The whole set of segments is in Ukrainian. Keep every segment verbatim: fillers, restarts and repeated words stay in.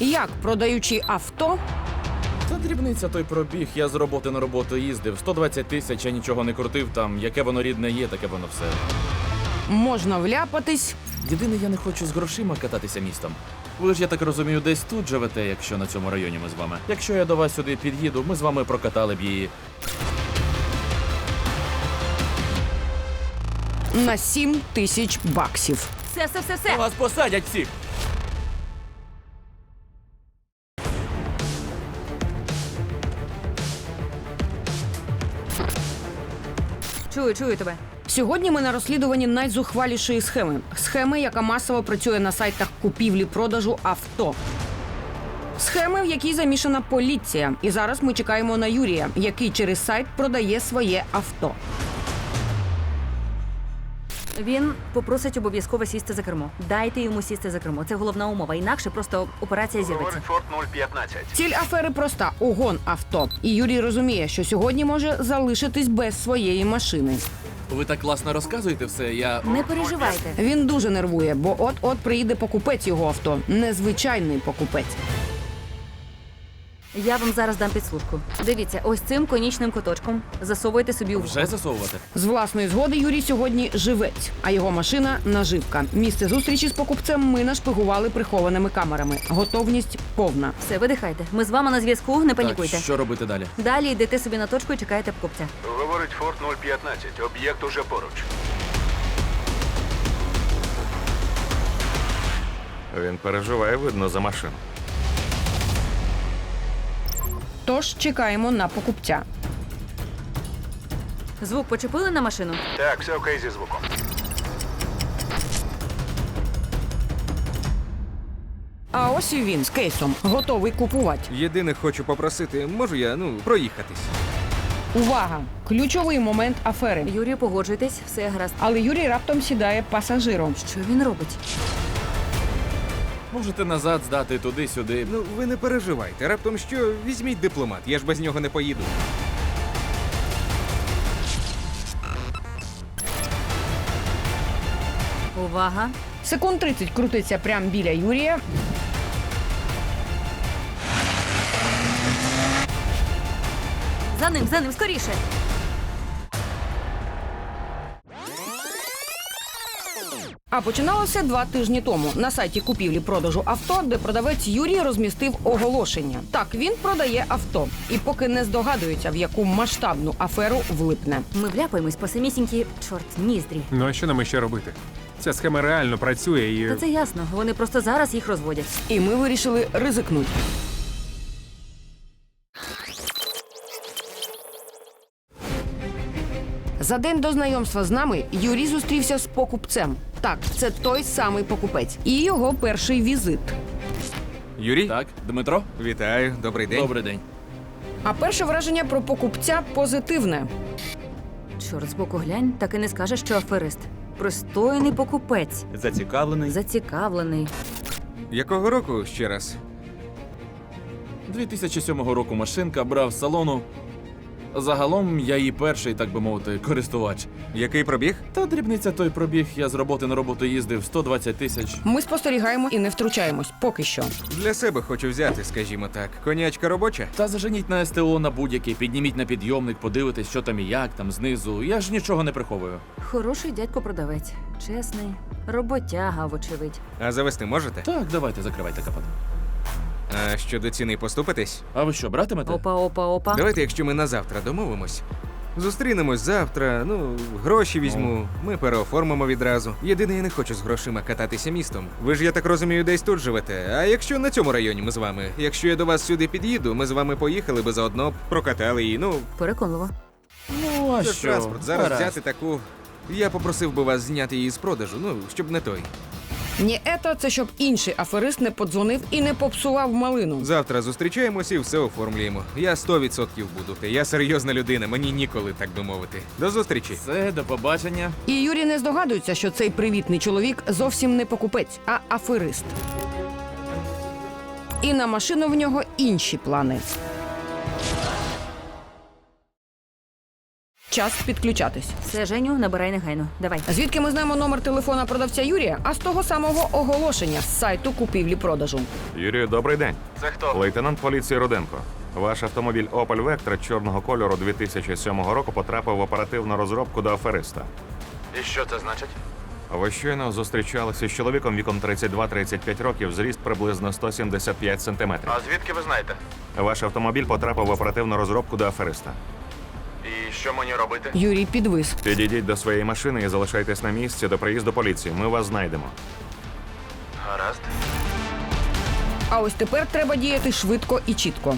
Як, продаючи авто, Та дрібниця той пробіг, я з роботи на роботу їздив. сто двадцять тисяч, я нічого не крутив там. Яке воно рідне є, таке воно все. можна вляпатись Єдине, я не хочу з грошима кататися містом. Ви ж, я так розумію, десь тут живете, якщо на цьому районі ми з вами. Якщо я до вас сюди під'їду, ми з вами прокатали б її. на сім тисяч баксів. Все, все, все, все. Вас посадять всіх! Чую, чую тебе. Сьогодні ми на розслідуванні найзухвалішої схеми. Схеми, яка масово працює на сайтах купівлі-продажу авто. Схеми, в якій замішана поліція. І зараз ми чекаємо на Юрія, який через сайт продає своє авто. Він попросить обов'язково сісти за кермо. Дайте йому сісти за кермо. Це головна умова. Інакше просто операція зірветься. Говорить Форд нуль п'ятнадцять. Ціль афери проста – угон авто. І Юрій розуміє, що сьогодні може залишитись без своєї машини. Ви так класно розказуєте все, я... Не переживайте. Він дуже нервує, бо от-от приїде покупець його авто. Незвичайний покупець. Я вам зараз дам підслужку. Дивіться, ось цим конічним куточком засовуйте собі у вухо. Вже засовувати? З власної згоди Юрій сьогодні живець, а його машина – наживка. Місце зустрічі з покупцем ми нашпигували прихованими камерами. Готовність повна. Все, видихайте. Ми з вами на зв'язку, не панікуйте. Так, що робити далі? Далі йдете собі на точку і чекаєте покупця. Говорить Форд нуль п'ятнадцять. Об'єкт уже поруч. Він переживає, видно, за машину. Тож чекаємо на покупця. Звук почепили на машину? Так, все окей зі звуком. А ось і він з кейсом, готовий купувати. Єдине хочу попросити, можу я, ну, проїхатись? Увага! Ключовий момент афери. Юрію, погоджуйтесь, все гаразд. Але Юрій раптом сідає пасажиром. Що він робить? Можете назад здати туди-сюди. Ну, ви не переживайте. Раптом що, візьміть дипломат, я ж без нього не поїду. Увага. Секунд тридцять крутиться прямо біля Юрія. За ним, за ним, скоріше. А починалося два тижні тому на сайті купівлі-продажу авто, де продавець Юрій розмістив оголошення. Так, він продає авто. І поки не здогадується, в яку масштабну аферу влипне. Ми вляпаємось по самісінькі, чорт, ніздрі. Ну а що нам іще робити? Ця схема реально працює і. Та це ясно, вони просто зараз їх розводять. І ми вирішили ризикнути. За день до знайомства з нами Юрій зустрівся з покупцем. Так, це той самий покупець. І його перший візит. Юрій? Так, Дмитро? Вітаю, добрий день. Добрий день. А перше враження про покупця позитивне. Чорт, збоку глянь, так і не скажеш, що аферист. Пристойний покупець. Зацікавлений? Зацікавлений. Якого року ще раз? дві тисячі сьомого року машинка, брав з салону. Загалом я її перший, так би мовити, користувач. Який пробіг? Та дрібниця той пробіг, я з роботи на роботу їздив сто двадцять тисяч. Ми спостерігаємо і не втручаємось поки що. Для себе хочу взяти, скажімо так. Конячка робоча? Та заженіть на СТО на будь-який, підніміть на підйомник, подивитесь, що там і як, там знизу. Я ж нічого не приховую. Хороший дядько-продавець. Чесний. Роботяга, вочевидь. А завести можете? Так, давайте, закривайте капот. А щодо ціни поступитесь? А ви що, братимете? Опа, опа, опа. Давайте, якщо ми на завтра домовимось. Зустрінемось завтра, ну, гроші візьму, ми переоформимо відразу. Єдине, я не хочу з грошима кататися містом. Ви ж, я так розумію, десь тут живете. А якщо на цьому районі ми з вами? Якщо я до вас сюди під'їду, ми з вами поїхали би заодно, прокатали її, ну, Переконливо. Ну, а це що? транспорт. Зараз Гаразд. взяти таку. Я попросив би вас зняти її з продажу, ну, щоб не той. Ні, ето, це щоб інший аферист не подзвонив і не попсував малину. Завтра зустрічаємось і все оформлюємо. Я сто відсотків буду. Я серйозна людина, мені ніколи, так би мовити. До зустрічі. Все, до побачення. І Юрій не здогадується, що цей привітний чоловік зовсім не покупець, а аферист. І на машину в нього інші плани. час підключатись. Все, Женю, набирай негайно. Давай. Звідки ми знаємо номер телефона продавця Юрія? А з того самого оголошення з сайту купівлі-продажу. Юрію, добрий день. Це хто? Лейтенант поліції Руденко. Ваш автомобіль Opel Vectra чорного кольору дві тисячі сьомого року потрапив в оперативну розробку до афериста. І що це значить? Ви щойно зустрічалися з чоловіком віком тридцять два тридцять п'ять років, зріст приблизно сто сімдесят п'ять сантиметрів. А звідки ви знаєте? Ваш автомобіль потрапив в оперативну розробку до афериста. І що мені робити? Юрій підвис. Підійдіть до своєї машини і залишайтесь на місці до приїзду поліції. Ми вас знайдемо. Гаразд. А ось тепер треба діяти швидко і чітко.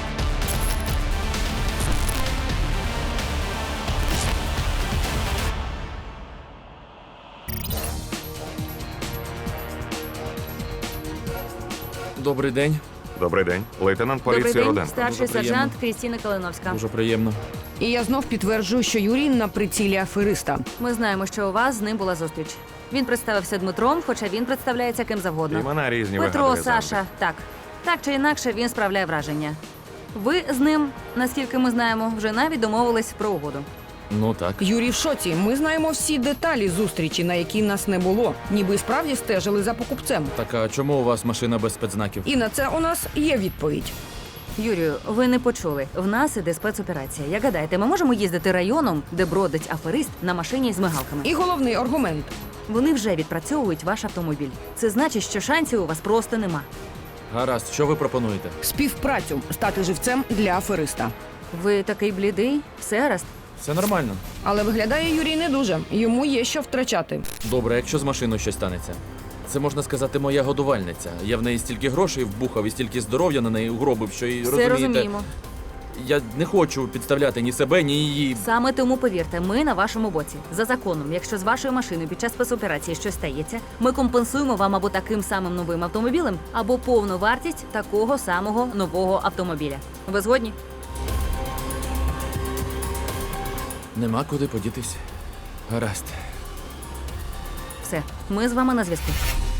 Добрий день. Добрий день. Лейтенант поліції Добрий день, Руденко. старший Дуже приємно. сержант Крістіна Калиновська. Дуже приємно. І я знов підтверджую, що Юрій на прицілі афериста. Ми знаємо, що у вас з ним була зустріч. Він представився Дмитром, хоча він представляється ким завгодно. Імена різні Петро, вигадує завжди. Саша, так. Так чи інакше, він справляє враження. Ви з ним, наскільки ми знаємо, вже навіть домовились про угоду. Ну так. Юрій в шоці. Ми знаємо всі деталі зустрічі, на якій нас не було. Ніби справді стежили за покупцем. Так а чому у вас машина без спецзнаків? І на це у нас є відповідь. Юрію, ви не почули. В нас іде спецоперація. Як гадаєте, ми можемо їздити районом, де бродить аферист на машині з мигалками? І головний аргумент. Вони вже відпрацьовують ваш автомобіль. Це значить, що шансів у вас просто нема. Гаразд, що ви пропонуєте? Співпрацю стати живцем для афериста. Ви такий блідий? Все гаразд? Все нормально. Але виглядає Юрій не дуже. Йому є що втрачати. Добре, якщо з машиною щось станеться. Це можна сказати моя годувальниця. Я в неї стільки грошей вбухав і стільки здоров'я на неї угробив, що і Все розумієте. розуміємо. Я не хочу підставляти ні себе, ні її. Саме тому повірте, ми на вашому боці. За законом, якщо з вашою машиною під час спецоперації щось стається, ми компенсуємо вам або таким самим новим автомобілем, або повну вартість такого самого нового автомобіля. Ви згодні? Нема куди подітись. Гаразд. Все, ми з вами на зв'язку.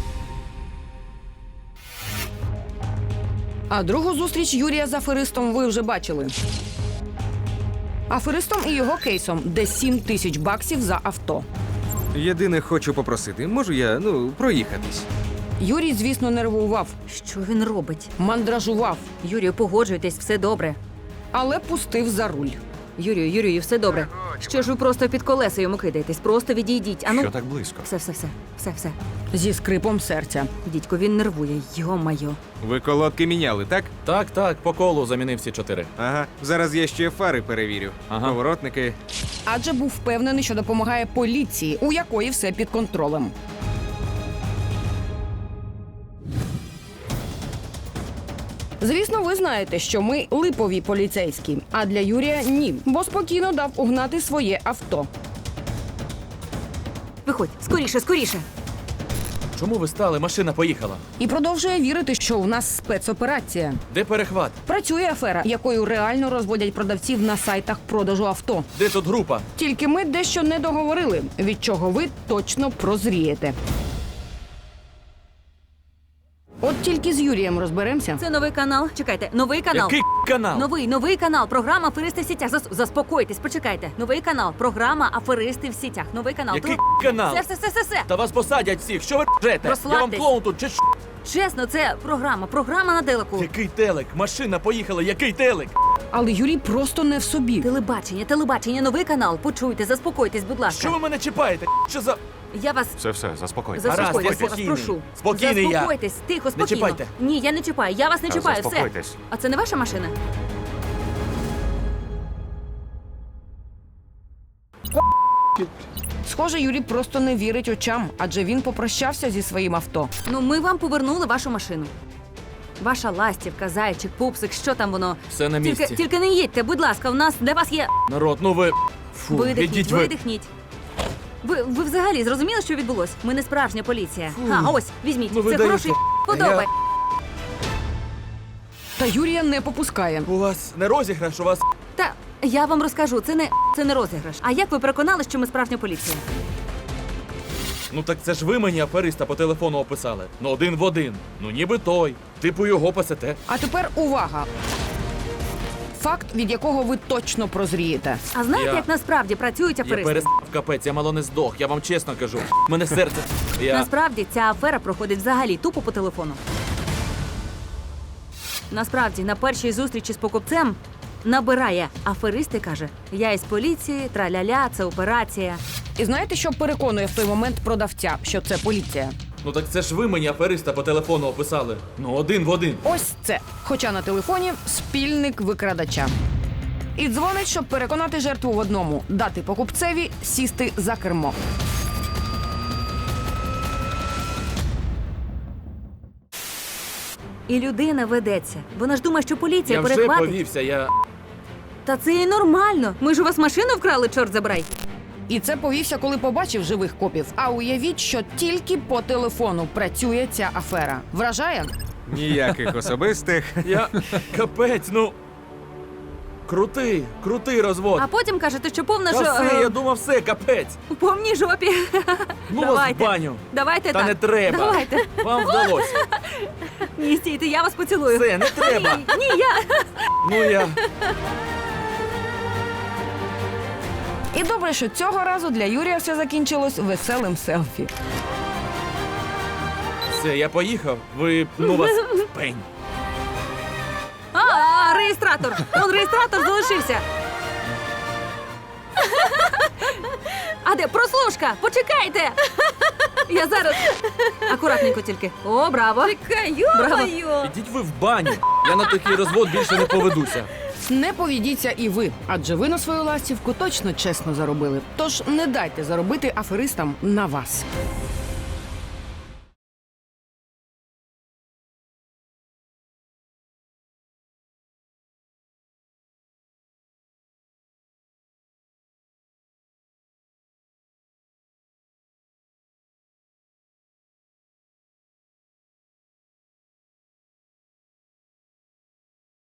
А другу зустріч Юрія з аферистом ви вже бачили. Аферистом і його кейсом, де сім тисяч баксів за авто. Єдине хочу попросити, можу я, ну, проїхатись? Юрій, звісно, нервував, Що він робить? мандражував, Юрію, погоджуйтесь, все добре. але пустив за руль. Юрію, Юрію, все добре. Що ж ви просто під колеса йому кидаєтесь? Просто відійдіть. Ану. Що так близько? Все, все, все, все, все. Зі скрипом серця. Дідько, він нервує, йо-майо. Ви колодки міняли, так? Так, так, по колу замінив всі чотири. Ага. Зараз я ще фари перевірю. Ага. Поворотники. Адже був впевнений, що допомагає поліції, у якої все під контролем. Звісно, ви знаєте, що ми липові поліцейські, а для Юрія ні, бо спокійно дав угнати своє авто. Виходь, скоріше, скоріше. Чому ви стали? Машина поїхала. І продовжує вірити, що у нас спецоперація. Де перехват? Працює афера, якою реально розводять продавців на сайтах продажу авто. Де тут група? Тільки ми дещо не договорили, від чого ви точно прозрієте. От тільки з Юрієм розберемося. Це новий канал. Чекайте, новий канал. Який канал? Новий, новий канал. Програма Аферисти в сітях. Зас- Заспокойтесь, почекайте. Новий канал. Програма Аферисти в сітях. Новий канал. Який Про- канал? Все, все, все, все, все. Та вас посадять всіх. Що ви ржете? Я вам Розслабтесь. клоун тут чи що? Чесно, це програма. Програма на телеку. Який телек? Машина поїхала, який телек? Але Юрій просто не в собі. Телебачення, телебачення, новий канал. Почуйте, заспокойтесь, будь ласка. Що ви мене чіпаєте? Що за... Я вас Все, все, заспокойтесь. Гаразд, заспокойтесь, я я вас спокійний. прошу. Спокійний я. Заспокойтесь, тихо, спокійно. чіпайте. Ні, я не чіпаю. Я вас не А, чіпаю. Все. заспокойтесь. А це не ваша машина? Схоже, Юрій просто не вірить очам, адже він попрощався зі своїм авто. Ну, ми вам повернули вашу машину. Ваша ластівка, зайчик, пупсик, що там воно? Все на місці. Тільки, тільки не їдьте, будь ласка, в нас для вас є. Народ, ну ви... Фу, Видихніть, ідіть ви. видихніть. Ви, ви взагалі зрозуміли, що відбулось? Ми не справжня поліція. А, ось, візьміть. Ну ви Це даєте. хороший подобай. Та Юрія не попускає. У вас не розіграш, у вас... Та я вам розкажу, це не це не розіграш. А як ви переконали, що ми справжня поліція? Ну так це ж ви мені афериста по телефону описали. Ну один в один. Ну ніби той. Типу його пасете. А тепер увага! Факт, від якого ви точно прозрієте. А знаєте, Я- як насправді працюють Я аферисти? перестав капець, я мало не здох, я вам чесно кажу. Мене серце. Я... Насправді ця афера проходить взагалі тупо по телефону. Насправді, на першій зустрічі з покупцем набирає аферист і каже: я із поліції, траля-ля, це операція. І знаєте, що переконує в той момент продавця, що це поліція? Ну так це ж ви мені афериста по телефону описали. Ну, один в один. Ось це. Хоча на телефоні спільник викрадача. І дзвонить, щоб переконати жертву в одному – дати покупцеві сісти за кермо. І людина ведеться. Вона ж думає, що поліція Я вже перехватить. повівся, я. Та це і нормально. Ми ж у вас машину вкрали, чорт забирай. І це повівся, коли побачив живих копів. А уявіть, що тільки по телефону працює ця афера. Вражає? Ніяких особистих. Я. Капець, ну. Крутий, крутий розвод. А потім кажете, що повна Та жо... все, е, я думав, все, капець. у повній жопі. Ну вас в Давайте. баню. Давайте Та так. не треба. Давайте. Вам вдалося. Ні, стійте, я вас поцілую. Все, не треба. Ні, ні, я. Ну я. І добре, що цього разу для Юрія все закінчилось веселим селфі. Все, я поїхав. Ви, ну вас в пень. А, а, реєстратор. Он реєстратор залишився. А де прослушка? Почекайте. Я зараз. Акуратненько тільки. О, браво. Чекай, браво. Ідіть ви в баню. Я на такий розвод більше не поведуся. Не поведіться і ви, адже ви на свою ластівку точно чесно заробили. Тож не дайте заробити аферистам на вас.